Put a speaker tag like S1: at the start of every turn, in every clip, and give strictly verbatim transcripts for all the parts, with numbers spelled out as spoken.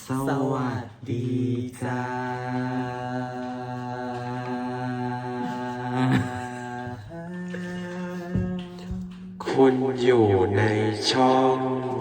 S1: สวัสดีจ้าคุณอยู่ในช่อง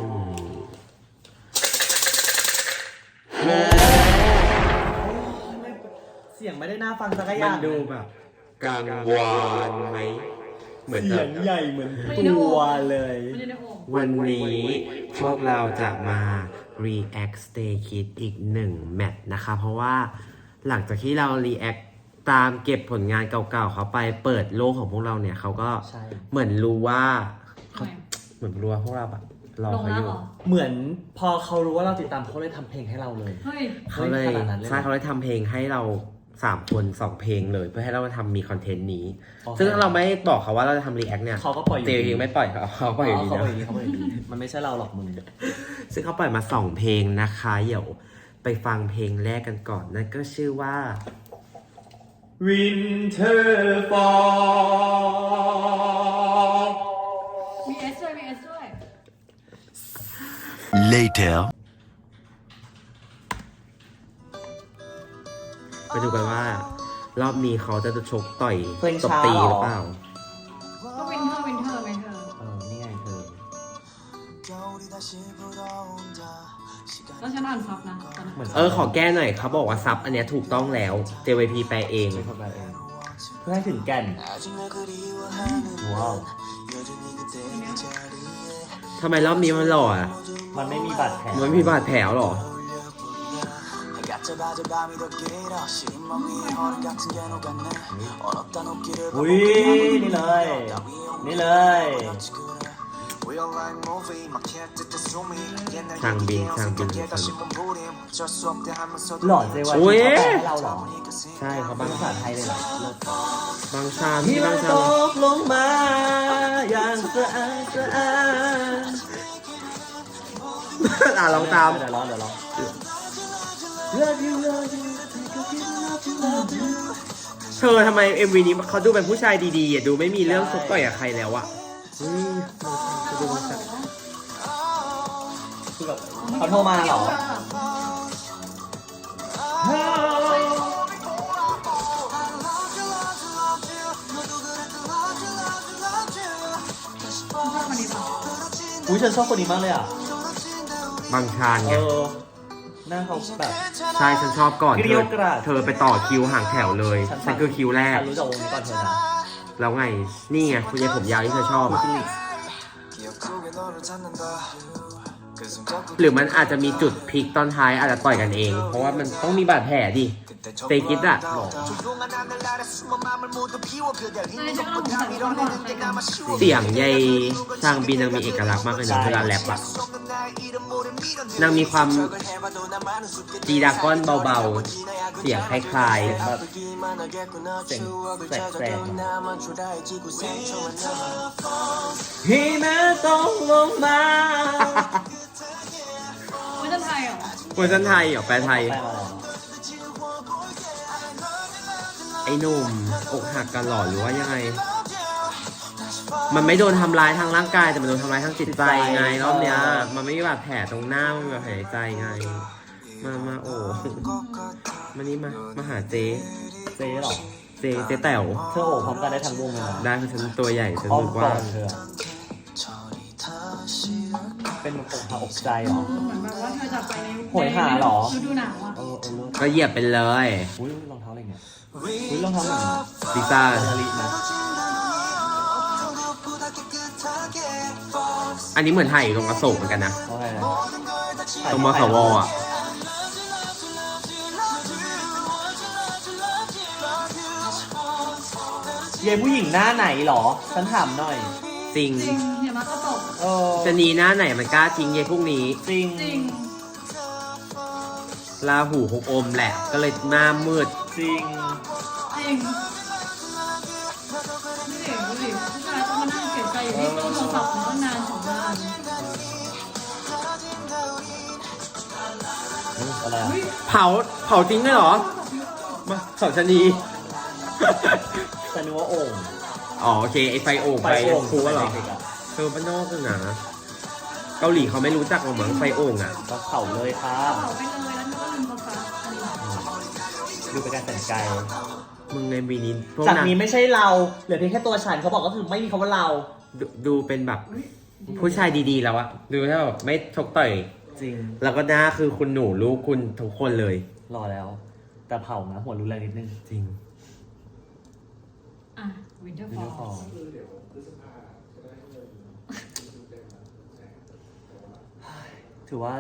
S2: เสียงไม่ได้น่าฟังสักอ
S1: มั
S2: ย่าน ง
S1: ดูแบบกังวานไหมเหมือน
S2: เสี
S1: แบ
S2: ย
S1: บ
S2: งใหญ่เหมือนตัวเลย
S1: วันนี้พวกเราจะมา react Stray Kids อีกหนึ่งแมตช์นะคะ เพราะว่าหลังจากที่เรา react ตามเก็บผลงานเก่าๆเขาไปเปิดโลกของพวกเราเนี่ยเขาก็เหมือนรู้ว่าเขาเหมือนรู้ว่าพวกเราแบบรอเขาอยู่
S2: เหมือนพอเขารู้ว่าเราติดตามเขาเลยทำเพลงให้เราเลย
S1: เขาเลยใช่เขาเลยทำเพลงให้เราสามคนสองเพลงเลยเพื่อให้เรามาทำมีคอนเทนต์นี้ ซึ่งถ้าเราไม่บอกเขาว่าเราจะทำรีแอคเนี่ย
S2: เขาก็ปล่อยอยู่
S1: เจยังไม่ปล่อยเขาเขาปล่อยอยู่ดี
S2: เขาปล่อยอ
S1: นะ
S2: ยู่ดีเขาปล่อยอยู่ดีมันไม่ใช่เราหรอกมึง
S1: ซึ่งเขาปล่อยมาสองเพลงนะคะเดี๋ยวไปฟังเพลงแรกกันก่อนนั่นก็ชื่อว่า
S2: Winter Fall
S3: มีเอสด้วยมีเอสด้วย
S4: Later
S1: ไปดูกันว่ารอบนี้เขาจะชกต่อย
S2: เพลง
S1: ตบ
S2: ช้า
S1: ตี
S2: เหรอ
S1: หรือเปล่า
S3: ก็วินเทอร์วินเทอร์วินเทอร์
S2: เออนี่ไงเธอ
S3: แล้วฉันอ่านซับนะตอนนั้น
S2: เหมือน
S1: เออขอแก้หน่อยเขาบอกว่าซับอันเนี้ยถูกต้องแล้ว เจ วาย พี แปลเอง
S2: เป็นคนแปลเองเพื่อให้ถึงแก่นว้าว
S1: ทำไมรอบนี้มันหล่ออ่ะ
S2: มันไม่มีบาดแผล
S1: มันไม่มีบาดแผลหรอ
S2: อุ้ยนี่เลยนี่เลย
S1: ทางบินทางบิน
S2: หล่อเจวัน
S1: อุ๊ย
S2: เขาแปลให้เราเหรอ
S1: ใช่เขา
S2: เป็
S1: บาน ง
S2: ภาษาไทยเลยเหรอเลิศ
S1: บางชาม
S2: ที่
S1: ที่
S2: มั
S1: บาน งชา
S2: ต
S1: ม
S2: กลงมาอย่างสะอาดสะอาด
S1: อ่ะลองตาม
S2: เดี๋ยวร้องเดี๋ยวร้อง Love you love you love you love you
S1: เธอทำไม เอ็ม วี นี้เขาดูเป็นผู้ชายดีๆอ่ะดูไม่มีเรื่องชกต่อยกับใครแล้วอ่ะเฮ้ยเขาดูมันจะ
S2: คือแบบเขาโทรมาเหรอ
S3: ชอบคนนี้ป่ะ
S2: อุ้ยฉันชอบคนนี้มากเลยอ่ะ
S1: บางชาน
S2: เอ
S1: ไง
S2: อหน้าเขาแบบ
S1: ใช่ฉันชอบก่อน
S2: เก
S1: เธ
S2: รี้ยว
S1: อก
S2: ราด
S1: เธอไปต่อคิวห่างแถวเลย ฉันคือคิวแรก
S2: ฉันรู้จักวงนี้ก่อนเธอนะ
S1: แล้วไง นี่ไงคุณยายผมยาวที่เธอชอบอ่ะ หรือมันอาจจะมีจุดพลิกตอนท้ายอาจจะต่อยกันเอง เพราะว่ามันต้องมีบาดแผลดิเตกิดอะ
S2: หล่อ
S3: ใช่ฉันก็สงสัยว่าก่อนใครกัน
S1: เสียงยายทางบินนางมีเอกลักษณ์มากเลยนะเวลาแรปอะนางมีความจีดากอนเบาๆ เสียงคล้าย
S2: แบบเสียงแสกแสกพี่แม่ต้องลงมา
S3: ไม่จะไทยเหรอ
S1: ๆเวอร์ชันไทยเหรอแปลไทย
S2: แปลมาแล้ว
S1: ไอ้หนุ่มอกหักกันหรอหรือว่ายังไง มันไม่โดนทำร้ายทางร่างกายแต่มันโดนทำร้ายทางจิตใจไงรอบเนี้ย มันไม่มีบาดแผลตรงหน้ามันมีบาดแผลในใจไง มามาโอ้มานี่มา มาหาเจ๊
S2: เจ๊เหรอ
S1: เจ๊เจ๊แต๋ว
S2: เธอโอบพร้อมกันได้ทั้งวงเลยนะ
S1: ได้คือฉันตัวใหญ่ฉัน
S2: อ้อม
S1: รู้
S2: ก
S1: ว่า
S2: อดเธอเป็นอกหักอกใจเหรอ
S3: เหมือนแบบว่าเธอจะไปใน
S2: โหยหาเหรอ
S3: ฤดูหนาวอ่ะ
S2: เออเออเลิศ
S1: ก็เหยียบไปเลย
S2: อุ้ยรองเท้าอะไรเนี่ยอุ้ยรองเท้าเหมือน
S1: ลิซ่า
S2: นาฬินะ
S1: อันนี้เหมือนถ่ายอยู่ตรงอโศกเหมือนกันนะ
S2: เขาไงนะ
S1: ตรงมสวอ่ะ
S2: เย้ผู้หญิงหน้าไหนเหรอ ฉันถามหน่อย
S1: จริง
S3: จริงเดี๋ยวมาก็ตก
S2: เออ
S1: จะหนีหน้าไหนมันกล้าทิ้งเยายพวกนี้
S2: จริง
S3: จริง
S1: ลาหูหกอมแหละ ก็เลยหน้ามืด
S2: จริง
S3: จริงนี่เด็กดูดิผู้ชายต้องมานั่งเสียใจอยู่ที่ตู้โทรศัพท์ตั้งนานสองนาน
S2: อะไรอ่ะ
S1: เผาเผาจริงเลยเหรอ มาสองชะนี
S2: ฉันนึกว่าโอ่ง
S1: อ๋อโอเค ไอไฟโอ่งไฟ
S2: โอ่ง
S1: คูเหรอ
S2: ด็กๆะ
S1: เธอบ้านนอกกันนะเกาหลีเขาไม่รู้จักหรอกมั้งไฟโอ่งอ่ะ
S2: ก็เข่าเลยค่ะ
S3: เผาไปเลยแล้วนึกว่าลืมโทรศัพท์อันนี้
S2: ดูเป็นการแต่งกาย
S1: มึงในวีนี้พวก
S2: จาก
S1: นาง
S2: นี้ไม่ใช่เราเหลือเพียงแค่ตัวฉันเขาบอกก็คือไม่มีคำว่าเรา
S1: ดูดูเป็นแบบผู้ชายดีๆแล้วอะดูแล้วแบบไม่ชกต่อย
S2: จริง
S1: แล้วก็หน้าคือคุณหนูลูกคุณทุกคนเลย
S2: รอแล้ว แต่เผานะหัวรุนแรงนิดนึง
S1: จริง
S3: อ่ะวินเทอร์
S2: วิ
S3: ฟ
S2: น
S3: อ
S2: เทอร์ฟอ
S3: ล
S2: ลถือว่า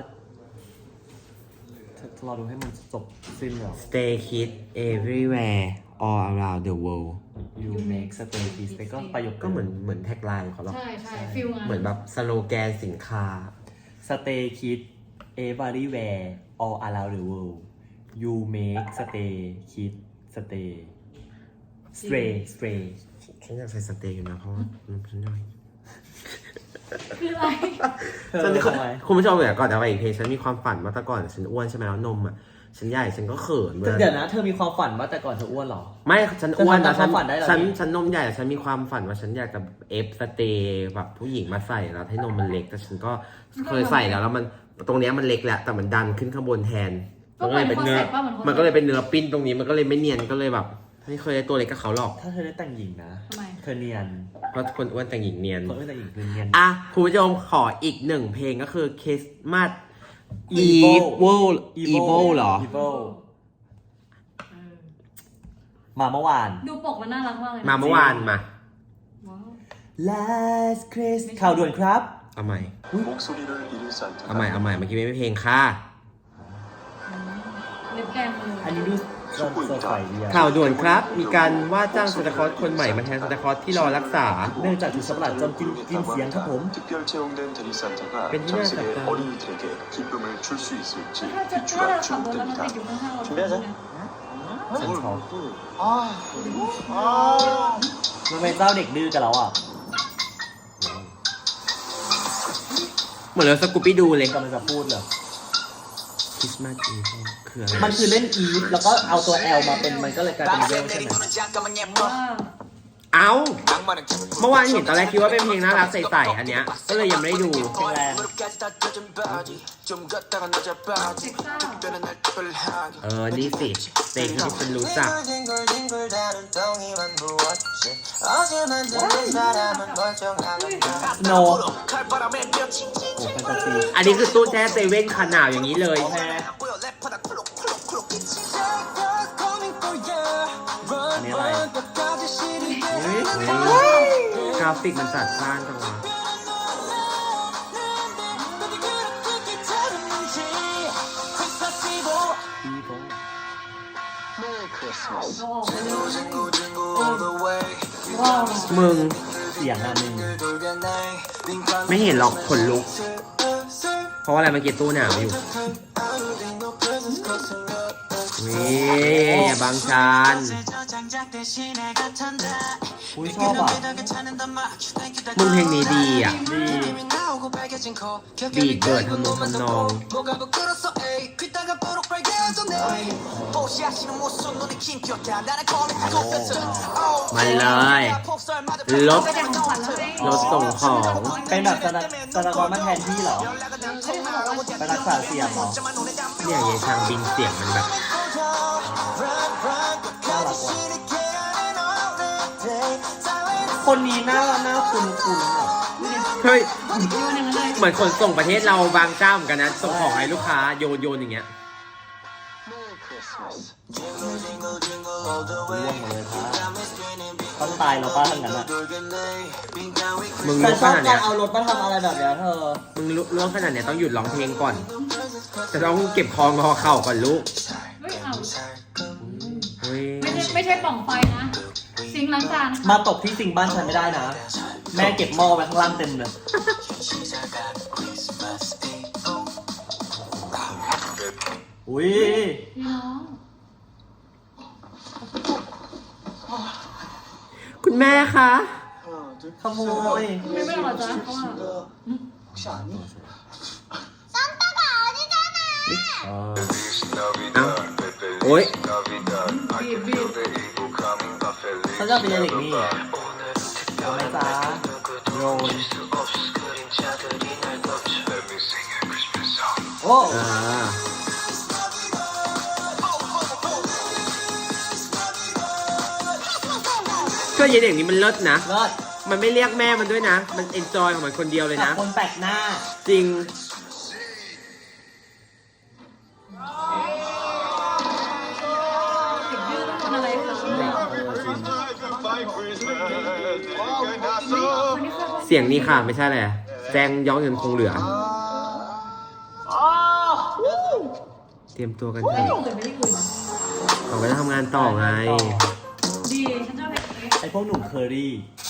S2: จะรอดูให้มันจบสิ้นเหรอ
S1: Stay Kids everywhere all around the world
S2: You make stay peace ก็ประโยค
S1: ก็เหมือนเหมือนแท็กไลน์ของเขาหรอก
S3: ใช่ใช่ฟิลงาน
S1: เหมือนแบบสโลแกนสินค้า
S2: stay kids everywhere all around the world You make stay kids stay stray stray
S1: ฉันอยากใส่สเตย์อยู่นะเพราะว่าอืมฉันหน่อย
S3: คืออะไร
S1: ฉัน
S2: เธอทำไม
S1: คุณผู้ชมเดี๋ยวก่อนจะไปอีกเพลงฉันมีความฝันว่าแต่ก่อนฉันอ้วนใช่ไหมแล้วนมอ่ะฉันใหญ่ฉันก็เขินเวลา
S2: เดี๋ยวนะ เธอมีความฝันว่าแต่ก่อนเธออ้วนเหรอ
S1: ไม่ฉันอ้วน
S2: เธอ
S1: แต่
S2: ทำตาม
S1: ฉัน
S2: ความฝันได้เหรอ
S1: ฉัน
S2: นี่
S1: ฉันนมใหญ่แต่ฉันมีความฝันว่าฉันอยากจะเอฟสเตย์แบบผู้หญิงมาใส่แล้วให้นมมันเล็กแต่ฉันก็เคยใส่แล้วแล้วมันตรงเนี้ยมันเล็กแหละแต่มันดันขึ้นข้างบนแทนมันก็เลยเป็นเนื้อมันก็เลยเป็นเนื้อปิ้นตรงนี้มันก็เลยไม่เนียนก็เลยแบบไม่เคยได้ตัวเล็กกับเขาหรอก
S2: ถ้าเธอได้แต่งหญิงนะ
S3: ทำไม
S2: เธอเนียน
S1: เพราะคนอ้วนแต่งหญิงเนียน
S2: คนไม่แต่งหญิงคือเนียน
S1: อ่ะคุณผู้ชมขออีกหนึ่งเพลงก็คือคริสต์มาส
S2: Evil
S1: Evil Evil เหรอ
S2: Evil
S3: เออ
S2: มาเมื่อวาน
S3: ดูปกมันน่ารักมากเลยนะ
S1: มาเมื่อวานมา
S3: ว้าว
S2: Last Christmas ข่าวด่วนครับ
S1: เอาใหม่
S4: 목소리를 잃을 수
S1: เอาใหม่
S4: 않다.
S1: เอาใหม่เมื่อกี้ไม่เพลงค่ะ
S3: เล็บแดงเลย
S2: อันนี้ดูสดสดใสดีอะ
S1: ข่าวด่วนครับ มีการว่าจ้างซานตาคลอสคนใหม่มาแทนซานตาคลอสที่รอรักษา
S2: เนื่องจากถูกสัตว์ประหลาดโจมตีกินเสียงครับผม
S4: 특별 채용된 대리 산타가
S1: 벤티나
S4: 전 세계
S1: 작가.
S4: 어린이들에게 기쁨을 줄 수 있을지
S3: ถ้าจะถ้า
S4: 귀추가
S3: เราขับรถแล้วมันติด
S4: 주목됩니다.
S3: อยู่ข้างๆเรา
S2: 준비하자.
S3: เนี่ย
S2: ฉันชอบ
S4: 아, 아,
S2: มันเป็นเจ้าเด็กดื้อกับเราอ่ะ
S1: เหมือนเราสกูปี้ดูเลย
S2: กำลังจะพูดเลย
S1: คริสต์มาสอีฟคืออะไร
S2: มันคือเล่นอีฟแล้วก็เอาตัว L มาเป็นมันก็เลยกลายเป็นเวลใช่ไหม
S3: ว้าว
S1: เอ้า เมื่อวานเห็นตอนแรกคิดว่าเป็นเพลงน่ารักใสๆอันเนี้ย ก็เลยยังไม่ได้ดู
S2: เพลงแรง
S3: เซ็กซ่า
S1: เออ นี่สิเพลงที่ฉันรู้จัก
S2: โนโอ้แฟนตาซี
S1: อันนี้คือตู้แช่เซเว่นขนาดอย่างนี้เลย
S2: โอเคอันนี้อะไรอุ๊ย
S1: กราฟิกมันจัดจ้านจังวะ
S2: อีโบ
S3: เอาออกไปเลยว้าว
S1: มึง
S2: เสียงอ่ะมึง
S1: ไม่เห็นหรอกขนลุก เพราะว่าอะไรเมื่อกี้ตู้หนาวอยู่วิอย่าบังชัน
S2: อุ้ยชอบอ่ะ
S1: มึงเพลงนี้ดีอ่ะ
S2: ดี
S1: บีดเบิร์ดทำนองทำนอง มันเลยรถ
S3: ไปแต่ของขวัญแล้วเอง
S1: รถส่งของ
S2: เป็นแบบสนับสนับมาแทนที่เหรอ ไปรักษาเสียงเหรอ
S1: เนี่ยยายชางบินเสียงมันแบบ
S2: น่ารักว่ะคนนี้หน้าหน้าคุ้นคุ้นๆอ่ะ
S1: เฮ้ย
S3: โยนอย่างนั้นเลย
S1: เหมือนขนส่งประเทศเราบางเจ้าเหมือนกันนะ ส่งของให้ลูกค้าโยนโยนอย่างเงี้ย
S2: ร่วงหมดเลยค่ะต้องตายแล้วป้าทั้งนั้นอ่ะ
S1: มึง
S2: แต่
S1: รู้
S2: ช
S1: ข
S2: อบ
S1: นาด
S2: กา
S1: เนี้
S2: ร
S1: ย
S2: เอารถมาทำอะไรแบบเนี้ยเธอ
S1: มึงรู้ขนาดเนี้ยต้องหยุดร้องเพลงก่อน จะต้องเก็บคองอเข่าก่อนลูก
S3: เฮ้ยเอา
S1: เฮ้ย
S3: ไม่ใช่ไม่ใช่ปล่องไฟนะซิงค์ล้างจาน
S2: มาตกที่สิงบ้านฉันไม่ได้นะ แม่เก็บหม้อไว้ข้างล่างเต็มเลย อุ้ย
S3: พี่น้อง
S1: คุณแม่คะ
S2: ขโมย
S3: ไม่ไม่หรอจ๊ะเพราะว่า
S1: เออเอ้าโอ๊ย
S3: บีบบีบ
S2: เขาจะเป็นเด็กนี่เอาไหมจ๊ะโยนโอ้
S1: อ่าก็เย็นอย่างนี้มันเลิศนะ
S2: เลิศ
S1: มันไม่เรียกแม่มันด้วยนะ มันเอนจอยของมันคนเดียวเลย
S2: กับ
S1: นะ
S2: คนแปลกหน้า
S1: จริง
S3: เด็กดื้อต้องทำอะไรคะคนนี้ค่ะ
S1: เสียงนี้ค่ะไม่ใช่อะไรอะแจ้งย้อนเงินคงเหลือ เตรียมตัวกันเถ
S3: ไม่
S1: อะ
S3: ได้อื่นไม่ได้อื่น
S1: เขาไปทำงานต่อไง
S3: ดีฉันชอบเพลงนี้
S2: ไอพวกหนุ่มเคอรี่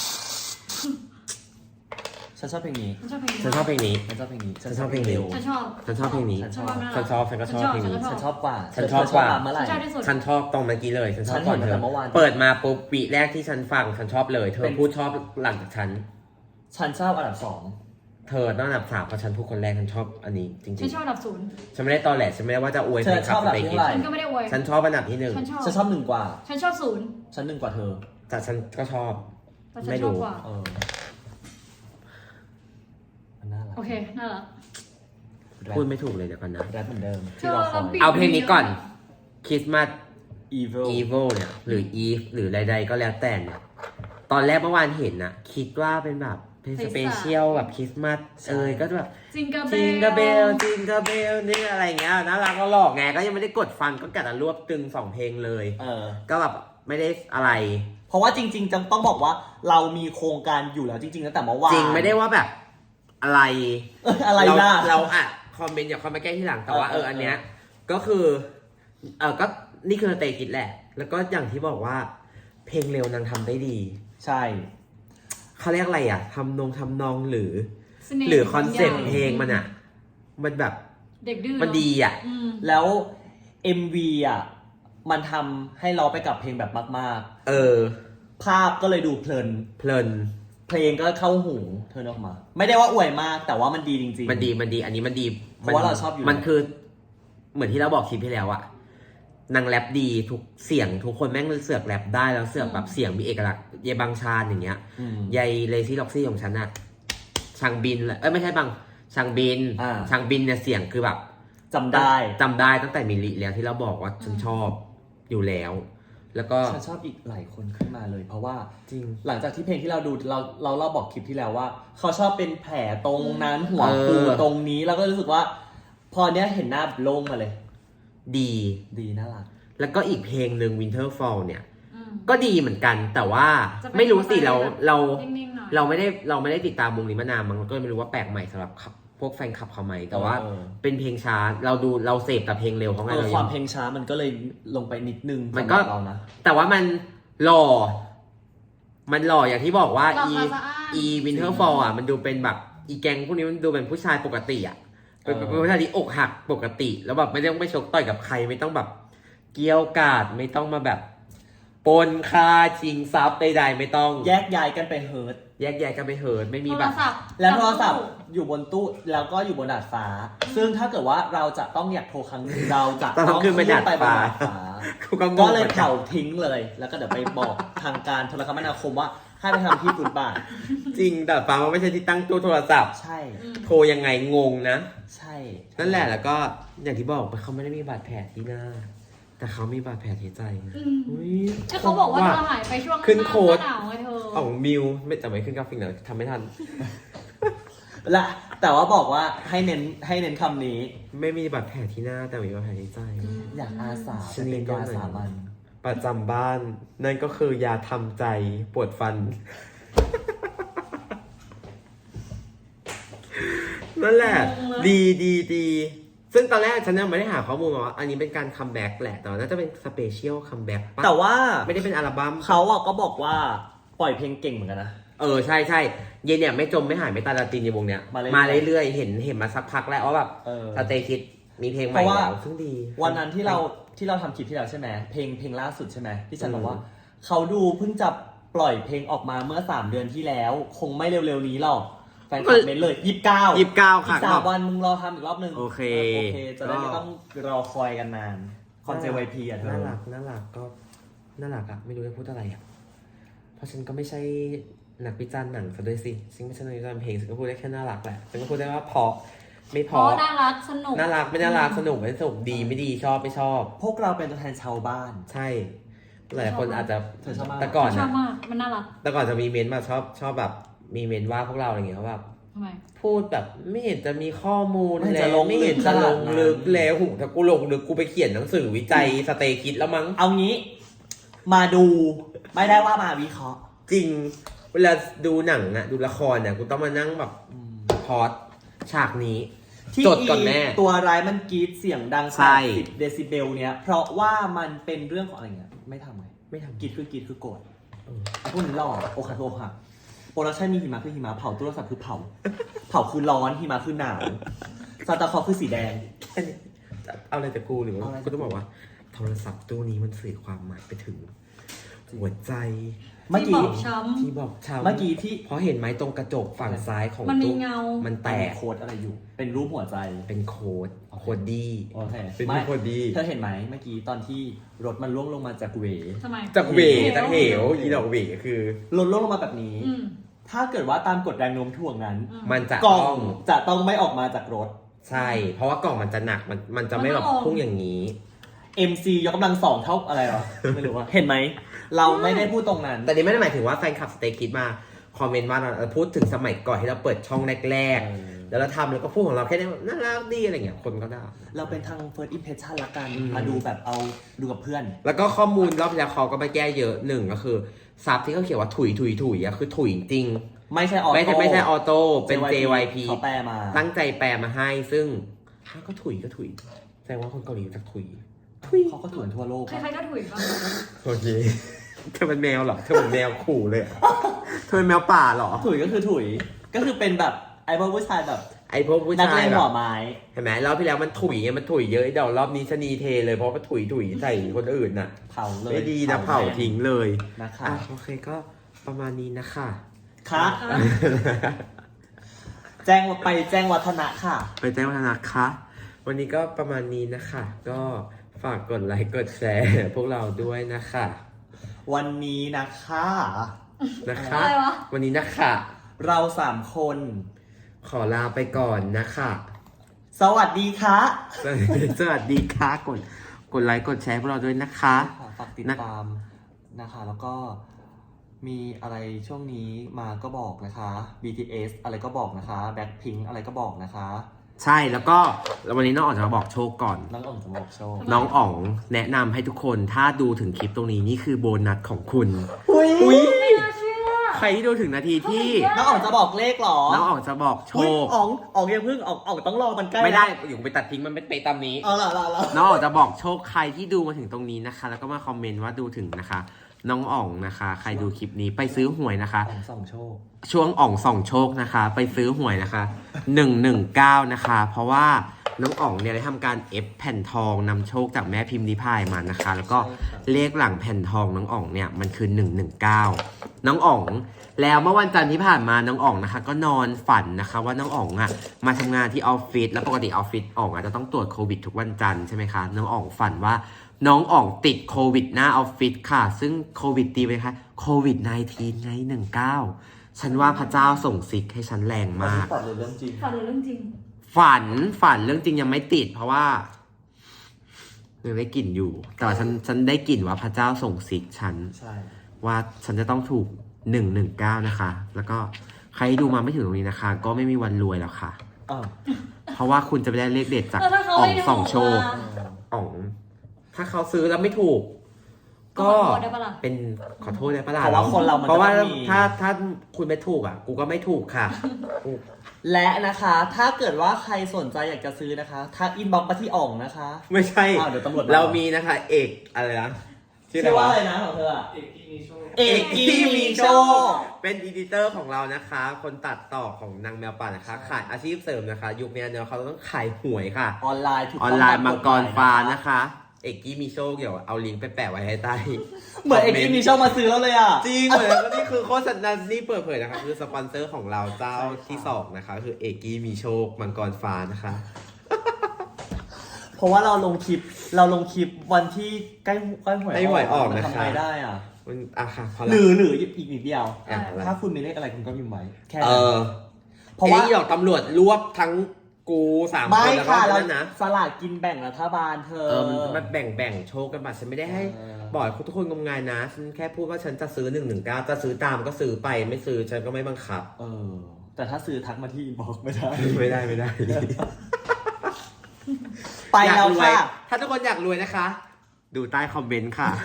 S2: ฉันชอบเพลงนี้
S3: ฉันชอบเพลงนี้
S1: ฉันชอบเพลงนี้
S2: ฉันชอบเพลงนี้
S1: ฉันชอบเพลงนี้
S3: ฉันชอบ
S1: ฉันชอบเพลงนี้
S2: ฉันชอบ
S1: ฉันชอบฉันก็ชอบเพลงนี้
S2: ฉันชอบกว่า
S1: ฉันชอบกว่า
S2: เมื่อไห
S3: ฉั
S2: ร่
S3: นชอบที่สุด
S1: ฉันชอบตรงเมื่อกี้เลย ฉันชอบ
S2: ฉัน
S1: ก่อน
S2: เห็น
S1: เธ
S2: ตั้
S1: อง
S2: แต่เมื่อวาน
S1: เปิดมาปุ๊บวีแรกที่ฉันฟัง ฉันชอบเลย เธอ
S2: เป็น
S1: พูดชอบหลังจากฉัน
S2: ฉันชอบอันดับสอง
S1: เธอต้องอันดับสามเพราะฉันพูดคนแรกฉันชอบอันนี้จริง
S3: ฉันชอบอันดับศูนย์
S1: ๆ ฉันไม่ได้ตอแหลฉันไม่ได้ว่าจะอวย
S2: เธอชอบอันดับที่เท่าไหร่
S3: ฉันก็ไม่ได้อวย
S1: ฉันชอบอันดับที่หนึ่ง
S3: ฉันชอบ
S2: ฉันชอบหนึ่งกว่า
S3: ฉันชอบศูนย์
S2: ฉันหนึ่งกว่าเธอ
S1: แต่ฉันก็ชอบ
S3: แต่ฉัน
S1: ไม่
S3: ช
S1: รู้
S3: อบกว่า
S2: เออ มันน่ารัก
S3: โอเคน่ารัก
S2: แรป
S1: พูดไม่ถูกเลยเดี๋ยวก่อนนะ
S2: แรปเหมือนเดิม
S3: เธ
S2: ที่
S3: อ
S2: เราคอย
S3: แล้วปี
S1: เอาเพลงนี้ก่อนคริสต์มาส
S2: evil
S1: evil เนี่ย หรือ eve หรือใดๆก็แล้วแต่เนี่ย ตอนแรกเมื่อวานเห็นนะคิดว่าเป็นแบบเป็นสเปเชียลแบบคริสต์มาสเอยก็แบบ
S3: จิงกาเบล
S1: จิงกาเบลจิงกาเบลนี่อะไรเงี้ยน่ารักก็หลอกไงก็ยังไม่ได้กดฟังก็กะจะรวบตึงสองเพลงเลย
S2: เออ
S1: ก็แบบไม่ได้อะไร
S2: เพราะว่าจริงๆจังต้องบอกว่าเรามีโครงการอยู่แล้วจริงๆตั้งแต่เมื่อวาน
S1: จริงไม่ได้ว่าแบบอะไร
S2: เอ้ยอะไร
S1: เรา
S2: ล่ะ
S1: เราอ่ะคอมเมนต์อย่าคอมมาแก้ที่หลังแต่ว่า
S2: เอ
S1: เอ
S2: อ
S1: อ
S2: เออ
S1: อันเนี้ยก็คือเออก็นี่คือสเตกิดแหละ แล้วก็อย่างที่บอกว่า เพลงเร็วนางทำได้ดี
S2: ใช่
S1: เขาเรียกอะไรอ่ะทำนงทำนองหรือ
S3: เสน่ห์
S1: หรือคอนเซ็ปต์
S3: ใหญ่
S1: เพลงมันอ่ะ มันแบบ
S3: เด็กดื้อ
S1: มันดีอ่ะ
S3: อืม
S2: แล้ว เอ็ม วี อ่ะ มันทำให้เราไปกับเพลงแบบมาก
S1: เออ
S2: ๆ ภาพก็เลยดูเพลิน
S1: เพลิน
S2: เพลงก็เข้าหูเธอออกมา ไม่ได้ว่าอวยมากแต่ว่ามันดีจริงๆ
S1: มันดีมันดี อันนี้มันดี
S2: เพราะว่าเราชอบอยู่
S1: มันคือ เหมือนที่เราบอกคลิปที่แล้วอะนางแรปดีทุกเสียงทุกคนแม่งเสือกแรปได้แล้วเสือกแบบเสียงมีเอกลักษณ์เยบางชาญอย่างเงี้ย
S2: อืม
S1: ยายเลซี่ล็อกซี่ของฉันอะช่างบินเลยเอ้ยไม่ใช่บางช่างบิน
S2: อ่า
S1: ช่างบินเนี่ยเสียงคือแบบ
S2: จำได้
S1: จำได้ตั้งแต่มิลลิแล้วที่เราบอกว่าฉันชอบอยู่แล้ว แล้วก็
S2: ฉันชอบอีกหลายคนขึ้นมาเลย เพราะว่า
S1: จริง
S2: หลังจากที่เพลงที่เราดูเราเราเราบอกคลิปที่แล้วว่า เขาชอบเป็นแผลตรงนั้นหัว
S1: เออ
S2: ปูตรงนี้เราก็รู้สึกว่า พอเนี้ยเห็นหน้าโล่งมาเลย
S1: ดี
S2: ดีน่ารัก
S1: แล้วก็อีกเพลงหนึ่ง Winter Fall เนี่ย
S3: อืม
S1: ก็ดีเหมือนกัน แต่ว่า
S3: จะเป็น
S1: ไม่รู้สิเรา
S3: แบบ
S1: เรา
S3: นิ่งๆหน่อย
S1: เราไม่ได้เราไม่ได้ติดตามวงนี้มานานมันก็ไม่รู้ว่าแปลกใหม่สำหรับพวกแฟนคลับเขาไหมแต่ว่า
S2: เออ
S1: เป็นเพลงช้าเราดูเราเสพแต่เพลงเร็วเขาไง
S2: เออ
S1: เรา
S2: ค
S1: ยั
S2: วาม
S1: ง
S2: เพลงช้ามันก็เลยลงไปนิดนึง
S1: มันก็
S2: สำหรับเรานะ
S1: แต่ว่ามันหล่อ มันหล่ออย่างที่บอกว่า
S3: หล่อ
S1: อี
S3: สะอาด
S1: อีวินเทอร์ฟอลอ่ะมันดูเป็นแบบอีแกงพวกนี้มันดูเป็นผู้ชายปกติอ่ะเป็นเป็นผู้ชายที่อกหักปกติ แล้วแบบไม่ต้องไปชกต่อยกับใครไม่ต้องแบบเกี้ยวกาดไม่ต้องมาแบบปนค่าชิงทรัพย์ใดๆไม่ต้อง
S2: แยกย้ายกันไปเฮิร์ต
S1: แยกแยกกันไปเหินไม่มี
S3: โท
S1: แบ
S3: ร
S1: บ
S3: ศัพท์
S2: แล้วโทรศัพท์อยู่บนตู้แล้วก็อยู่บนดาดฟ้า ซึ่งถ้าเกิดว่าเราจะต้องอยากโทรครั้งหนึงเราจะ
S1: ต้องขึ้นไปดาดฟ้า
S2: ขึ้นไปบนดาดฟ้า
S1: กูก็ง
S2: ก็
S1: ง
S2: เลย
S1: หมือนน
S2: เผาทิ้งเลย แล้วก็เดี๋ยวไปบอกทางการโทรคมนาคมว่าให้ไปทำที่ฟุตบาท
S1: จริงแต่ฟ้ามันไม่ใช่ที่ตั้งตู้โทรศัพท์
S2: ใช่
S3: อืม
S1: โทรยังไงงงนะ
S2: ใช่
S1: นั่นแหละแล้วก็อย่างที่บอกไปเขาไม่ได้มีบาดแผลที่หน้า แต่เขามีบาดแผลที่ใจ
S3: อืม
S1: อุ๊ย
S3: ก็เขาบอกว่าเธอหายไปช่วง
S1: ขึ้นโค้ด
S3: หน้าหนาวไงเธอ
S1: ของมิวไม่แต่ไม่ขึ้นกราฟิกเนอะทำไม่ทัน
S2: และแต่ว่าบอกว่าให้เน้นให้เน้นคำนี้
S1: ไม่มีบาดแผลที่หน้าแต่มีบาดแผลที่ใจ
S2: อยากอาสา
S1: ชนิ
S2: เป็
S1: ด
S2: น
S1: ก็
S2: ยา
S1: เหมือน
S2: สามัญ
S1: ประจำบ้าน นั่นก็คือยาทำใจปวดฟัน นั่นแหละ ดีดีดีซึ่งตอนแรกฉันยังไม่ได้หาข้อมูลมาว่า อันนี้เป็นการคัมแบ็กแหละ แต่ว่าน่าจะเป็นสเปเชียลคัมแบ็กปะ
S2: แต่ว่า
S1: ไม่ได้เป็นอัลบั้ม
S2: เขาอะก็บอกว่าปล่อยเพลงเก่งเหมือนกันนะ
S1: เออ ใช่ใช่เย็นเนี่ยไม่จมไม่หายไม่ตายลาตินในวงเนี้ย
S2: มาเรื่อยๆ
S1: เรื่อยๆ เห็นเห็นมาสักพักแล้วว่าแบบ
S2: เออ
S1: สเตคิดมีเพลงให
S2: เพ
S1: ม่
S2: ราะว่า
S1: แล้วซึ่งดี
S2: วันนั้นที่เราที่เราทำคลิปที่แล้วใช่ไหมเพลงเพลงล่าสุดใช่ไหมที่ฉัน
S1: อืม
S2: บอกว่าเขาดูเพิ่งจะปล่อยเพลงออกมาเมื่อสามเดือนที่แล้ว คงไม่เร็วๆนี้หรอกแฟนคลับเม้นเลยยี่สิบเก้า
S1: ยี่สิบเก้า
S2: อี
S1: ค่ะ
S2: กสามวันมึงรอทำอีกรอบหนึ่ง
S1: โอเค
S2: โอเค จะได้ไม่ต้องรอคอยกันนานคอนเซวพีอ่ะเธอ
S1: น่ารักน่ารักก็น่ารักอะไม่รู้จะพูดอะไรอะเพราะฉันก็ไม่ใช่นักวิจารณ์หนังซะด้วยสิฉันไม่ใช่นักวิจารณ์เพลงฉันก็พูดได้แค่น่ารักแหละฉันก็พูดได้ว่าเพราะไม่พ
S3: เพ
S1: อ
S3: ราะน่ารักสนุก
S1: น่ารักไม่น่ารักสนุกไม่สนุกดีไม่ดีชอบไม่ชอบ
S2: พวกเราเป็นตัวแทนชาวบ้าน
S1: ใช่หลายคนอาจจะ
S2: เธอชอบมาก
S1: แต่ก่อน
S3: ชอ
S1: นะ
S3: บมากมันน่ารัก
S1: แต่ก่อนจะมีเมนต์มาชอบชอบแบบมีเมนต์ว่าพวกเราอะไรอย่างเงี้ยเขาแบบ
S3: ทำไม
S1: พูดแบบไม่เห็นจะมีข้อมูล
S2: ไม่เห็น
S1: แล้
S2: จะล
S1: ว
S2: ง
S1: ไม่เห็นจะลง
S2: ลึ
S1: ลึ
S2: ก
S1: ก
S2: ขนาดนั้น
S1: แล้วหูถ้ากูลงลึกกูไปเขียนหนังสือวิจัยสเตคิดแล้วมั้ง
S2: เอางี้มาดูไม่ได้ว่ามาวิเคราะห์
S1: จริง เวลาดูหนังอะดูละครเนี่ยกูต้องมานั่งแบบพอดฉากนี้
S2: ที่
S1: จดก่อนแม่
S2: ตัวร้ายมันกรีดเสียงดัง
S1: ใช่
S2: แปดสิบเดซิเบลเนี้ยเพราะว่ามันเป็นเรื่องของอะไรเงี้ยไม่ทำไง
S1: ไม่ทำ
S2: กรีดคือกรีดคือโกรธ
S1: เออ
S2: พวกนี้หล่อโอคาโตค่ะโปรดักชันมีหิมะคือหิมะเผาตู้โทรศัพท์คือเผา เผาคือร้อนหิมะคือหนาวซานตาคลอสคือสีแดง
S1: แค่นี้เอาอะไรจากกูหรือว่า
S2: เอาอะไรจากกู
S1: กูต้องบอกว่า โทรศัพท์ตู้นี้มันสื่อความหมายไปถึง หัวใจ
S2: เมื่อ
S3: ที่
S2: กี้
S3: บอกช้ำ
S1: ที่บอกชาว
S2: เมื่อกี้ที่
S1: เพราะเห็นไหมตรงกระจกฝั่งซ้ายของ
S3: มันมี
S1: ตู้
S3: เงา
S1: มันแตก
S2: โค้ดอะไรอยู่ เป็นรูปหัวใจ
S1: เป็นโค้ดโค้ดดี
S2: โอเค
S1: เป็น
S2: ไม่
S1: โค้ดดี
S2: เธอเห็นไหมเมื่อกี้ตอนที่รถมันล่วงลงมาจากเว
S3: ทำไม
S1: จากเหว
S3: เหว
S1: จากเหวอีดอกเหวคือ
S2: รถล่วงลงมาแบบนี้
S3: อืม
S2: ถ้าเกิดว่าตามกฎแรงโน้มถ่วงนั้น
S3: อืม
S1: มันจะ
S2: กล่
S1: ต้
S2: อ
S1: อง ง
S2: จะต้องไม่ออกมาจากรถ
S1: ใช่ เพราะว่ากล่องมันจะหนักมันมันจะไม่แบบ
S3: มันต้องลง
S1: พุ่งอย่างนี้
S2: เอ็ม ซี ยกกำลังสองเท่าอะไรหรอ ไม่รู้ว่า เห็นไหม เราไม่ได้พูดตรงนั้น
S1: แต่นี่ไม่ได้หมายถึงว่าแฟนคลับสเตคิดมาคอมเมนต์ว่าเราพูดถึงสมัยก่อนที่เราเปิดช่องแรก
S2: เออ
S1: ๆ แล้วเราทำแล้วก็พูดของเราแค่นี้แบบน่ารักดีอะไรเงี้ยคนก็ได้
S2: เราเป็นทาง first impression ละกัน
S1: อืม
S2: มาดูแบบเอาดูกับเพื่อน
S1: แล้วก็ข้อมูลรอบที่แล้วเขาก็ไปแก้เยอะหนึ่งก็คือซับที่เขาเขียนว่าถุยถุยถุยอะคือถุยจริง
S2: ไม่ใช่ออโต้
S1: ไม่ใช่ไม่ใช่ออโต้เป็น เจ วาย พี
S2: เขาแปลมา
S1: ตั้งใจแปลมาให้ซึ่งถ้าก็ถุยก็ถุยแสดงว่าคนเกาหลีจะถุยถุย
S2: เขาก็ถ่วนทั่วโลก
S3: ใครๆก็ถุยบ้าง
S1: โอเคเธอเป็นแมวเหรอเธอเป็นแมวขู่เลยอะเธอเป็นแมวป่าเหรอ
S2: ถุยก็คือถุย ก็คือเป็นแบบไอ้พวกผู้ชายแบบ
S1: ไอพวกผู้
S2: นัก
S1: ชา
S2: เล่
S1: ย
S2: น
S1: แบ
S2: หัว
S1: บ
S2: ไม้
S1: เห็นไหมรอบที่แล้วมันถุยไงมันถุยเยอะเดี๋ยวรอบนี้ชะนีเทเลยเพราะว่าถุยถุยใส่คนอื่นน่ะ
S2: เผาเลย
S1: ไม่ดีนะเผาทิ้งเลย
S2: นะคะ
S1: อ่ะโอเคก็ประมาณนี้นะคะ
S2: ค่ะ
S3: ค่ะ
S2: แจ้งไปแจ้งวัฒนะค่ะ
S1: ไปแจ้งวัฒนะคะ วันนี้ก็ประมาณนี้นะคะ ก็ฝากกดไลค์กดแชร์พวกเราด้วยนะคะ
S2: วันนี้นะคะ
S1: นะคะ
S3: อะไรวะ
S1: วันนี้นะคะ
S2: เราสามคน
S1: ขอลาไปก่อนนะคะ
S2: สวัสดีค่ะ
S1: สวัสดีค่ะกดกดไลค์กดแชร์พวกเราด้วยนะคะ
S2: ฝากติดตามนะคะ แล้วก็มีอะไรช่วงนี้มาก็บอกนะคะ บี ที เอส อะไรก็บอกนะคะ Blackpink อะไรก็บอกนะคะ
S1: ใช่แล้วก็วันนี้น้องอ๋องจะมาบอกโชคก่อน
S2: น้องอ่องจะบอกโชว์
S1: น้องอ๋องแนะนำให้ทุกคนถ้าดูถึงคลิปตรงนี้นี่คือโบนัสของคุณ
S2: อุ้ย
S3: ไม่น่าเชื่อ
S1: ใครที่ดูถึงนาทีที่
S2: น้องอ่องจะบอกเลขเหรอ
S1: น้องอ๋องจะบอกโช
S2: อุ๊ย
S1: ค
S2: อ่องอ่องยังเพิ่งอ่องอ่องต้องรอมันใกล้
S1: ไม่ได้อยู่ไปตัดทิ้งมันไม่ไปตามนี้
S2: เอาล่ะล่ะล่ะ
S1: น้องอ๋องจะบอกโชคใครที่ดูมาถึงตรงนี้นะคะ แล้วก็มาคอมเมนต์ว่าดูถึงนะคะ น้องอ๋องนะคะ ใครดูคลิปนี้ไปซื้อหวยนะคะ
S2: อ่องส่องโชค
S1: ช่วงอ่องส่องโชคนะคะ ไปซื้อหวยนะคะหนึ่งหนึ่งเก้านะคะ เพราะว่าน้องอ๋องเนี่ยได้ทำการเอฟแผ่นทองนำโชคจากแม่พิมพ์นิพายมานะคะ แล้วก็เลขหลังแผ่นทองน้องอ๋องเนี่ยมันคือหนึ่งหนึ่งเก้าน้องอ๋องแล้วเมื่อวันจันทร์ที่ผ่านมาน้องอ๋องนะคะ ก็นอนฝันนะคะ ว่าน้องอ๋องอ่ะมาทำงานที่ออฟฟิศแล้วปกติออฟฟิศอ๋องอ่ะจะต้องตรวจโควิดทุกวันจันทร์ใช่ไหมคะน้องอ๋องฝันว่าน้องอ๋องติดโควิดหน้าออฟฟิศค่ะ ซึ่งโควิดตีไปคะโควิด สิบเก้า ไงหนึ่งเก้าฉันว่าพระเจ้าส่งซิกให้ฉันแรงมาก
S2: ฝันเลยเรื่องจริง
S3: ฝันเลยเรื่องจริง
S1: ฝันฝันเรื่องจริงยังไม่ติด เพราะว่ายังได้กลิ่นอยู่ แต่ว่าฉันฉันได้กลิ่นว่าพระเจ้าส่งซิกฉัน
S2: ใช่
S1: ว่าฉันจะต้องถูกหนึ่งหนึ่งเก้านะคะ แล้วก็ใครที่ดูมาไม่ถึงตรงนี้นะคะ ก็ไม่มีวันรวยแล้วค่ะ
S2: อ้าว
S1: เพราะว่าคุณจะไปได้เลขเด็ดจาก
S3: แล้วถ้าเขา
S1: อ่อง
S3: ไม่ถูก
S1: ส่องโชค
S3: ล่ะ
S1: อ่อง ถ้าเขาซื้อแล้วไม่ถูก
S3: ก็
S1: ก็
S3: ขอโทษได้ปะล่ะ
S1: เป็นขอโทษได้ปะล่ะ
S2: เพราะว่าคนเรามัน
S1: เพราะว่า
S2: จะต้องมี
S1: ถ้าถ้าคุณไม่ถูกอ่ะ กูก็ไม่ถูกค่ะ
S2: และนะคะ ถ้าเกิดว่าใครสนใจอยากจะซื้อนะคะทักอินบ็อกซ์มาที่อ่องนะคะ
S1: ไม่ใช่
S2: อ้าวเดี๋ยวตำรวจมา
S1: เรามีนะคะ เอกอะไรนะชื่ออะไร
S2: ชื่อว่าอะ
S1: วะ
S2: ไรนะของเธออะ
S4: เอกกี้มีโชค
S2: เอกกี้มีโชค
S1: เป็นอีดิเตอร์ของเรานะคะ คนตัดต่อของนางแมวป่านะคะ ขายอาชีพเสริมนะคะ ยุคนี้เนี่ยเขาต้องขายหวยค่ะ
S2: ออนไลน์ถูก
S1: อ
S2: ต้
S1: อง นไลน์
S2: ต
S1: มังกร
S2: ฎหย
S1: ฟ้านะคะ เอกกี้มีโชคเดี๋ยวเอาลิงก์ไปแปะไว้ให้ใต้
S2: เหมือนเอกกี้มีโชคมาซื้อแล้วเลยอ่ะ
S1: จริงเหมือนแล้วนี่คือโฆษณานี่เปิดเผยนะคะ คือสปอนเซอร์ของเราเจ้าที่สองนะคะ คือเอกกี้มีโชคมังกรฟ้านะคะ
S2: เพราะว่าเราลงคลิปเราลงคลิปวันที่ใกล้ใกล้หวย
S1: ใกล้หวยออกนะคะ
S2: ทำไงได้อ่ะ
S1: มันอ่ะค่ะพอ
S2: ห
S1: ละ
S2: รือหรืออีกนิดเดียว
S1: อ่ะอะไร
S2: ถ้าคุณมีเลขอะไรคุณก็พิมพ์ไว้แค่
S1: เอ
S2: นั้น
S1: อ
S2: เพราะว่า
S1: ไอ้ดอกตำรวจรวบทั้งกูสามค
S2: ไม่
S1: นแล้วก็
S2: ค่ะเรา
S1: นั่นนะ
S2: สลากกินแบ่งรัฐบาลเธอ
S1: เออมันมันแบ่งแบ่งโชคกันมาฉันไม่ได้ให้
S2: เออ
S1: บอกให้ทุกคนงมงายนะฉันแค่พูดว่าฉันจะซื้อหนึ่งหนึ่งเก้าจะซื้อตามก็ซื้อไปไม่ซื้อฉันก็ไม่บังคับ
S2: เออ แต่ถ้าซื้อทักมาที่อินบ็อกซ์ไม่ได้
S1: ไม่ได้ไม่ได้
S2: ไป
S1: อยาก
S2: แล้ว
S1: รวย
S2: ค่ะ
S1: ถ้าทุกคนอยากรวยนะคะ ดูใต้คอมเมนต์ค่ะ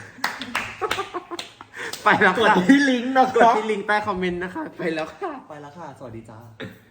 S1: ไปแล้ว
S2: กด
S1: ค่ะ
S2: ที่ลิงก์นะ
S1: กด
S2: ครับ
S1: ที่ลิงก์ใต้คอมเมนต์นะคะ ไปแล้วค่ะ
S2: ไปแล้วค่ะ สวัสดีจ้า